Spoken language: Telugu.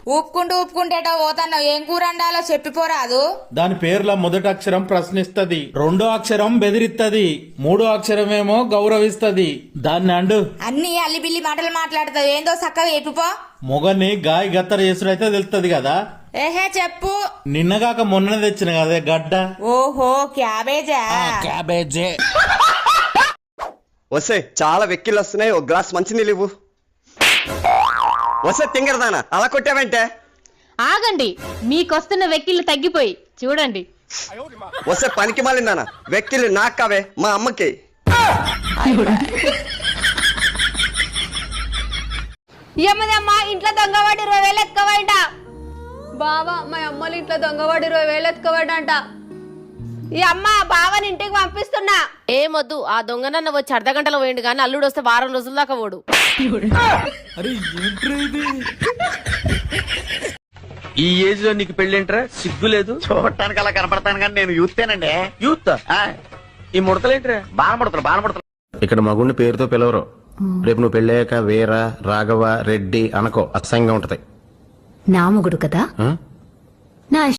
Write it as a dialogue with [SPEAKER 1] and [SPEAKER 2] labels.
[SPEAKER 1] ఊపుకుంటేటో పోతాన్నావు. ఏం కూర వండాలో చెప్పిపోరాదు.
[SPEAKER 2] దాని పేర్ల మొదటి అక్షరం ప్రశ్నిస్తది, రెండో అక్షరం బెదిరిస్తది, మూడో అక్షరమేమో గౌరవిస్తది. దాన్ని అండు.
[SPEAKER 1] అన్ని అల్లిబిల్లి మాటలు మాట్లాడతావు. ఏందో చక్కగా చెప్పిపో.
[SPEAKER 2] మొగని గాయ గత్తర చేసుడైతే తెలుస్తది కదా.
[SPEAKER 1] ఏహే చెప్పు.
[SPEAKER 2] నిన్నగాక మొన్న తెచ్చిన కదే గడ్డ.
[SPEAKER 1] ఓహో క్యాబేజా.
[SPEAKER 2] క్యాబేజే.
[SPEAKER 3] వస్తే చాలా వెక్కిళ్ళు వస్తున్నాయి, ఒక గ్లాస్ మంచినీళ్ళు ఇవ్వు. వస్తే తింగరదానా అలా కొట్టావంటే?
[SPEAKER 4] ఆగండి, మీకొస్తున్న వెక్కిళ్ళు తగ్గిపోయి చూడండి.
[SPEAKER 3] వస్తే పనికి మాలిందానా, వెక్కిళ్ళు నాకు కావే, మా అమ్మకి.
[SPEAKER 4] ఏమదమ్మా ఇంట్లో దొంగవాడి 20,000 ఎత్తుకోవాలంట.
[SPEAKER 5] బావా మా అమ్మలు ఇంట్లో దొంగవాడు 20,000 ఎత్తుకోవాడంట.
[SPEAKER 4] ఈ అమ్మ బావని ఇంటికి పంపిస్తున్నా.
[SPEAKER 6] ఏమొద్దు, ఆ దొంగనన్న వచ్చి అర్ధగంటలో పోయిండు గానీ అల్లుడు వస్తే వారం రోజుల దాకా పోడు.
[SPEAKER 7] ఈ ఏజ్ లో నీకు పెళ్ళేంట్రా, సిగ్గు లేదు?
[SPEAKER 8] చూడటానికి అలా కనపడతాను కానీ నేను యూత్తేనండి.
[SPEAKER 7] యూత్ ఈ ముడతలేంట్రా?
[SPEAKER 8] బాణపడతాను.
[SPEAKER 9] ఇక్కడ మగుడిని పేరుతో పిలవరు. రేపు నువ్వు పెళ్ళాక వీర, రాఘవ, రెడ్డి అనకో, అసహ్యంగా ఉంటది.
[SPEAKER 10] నా మొగుడు కదా, నా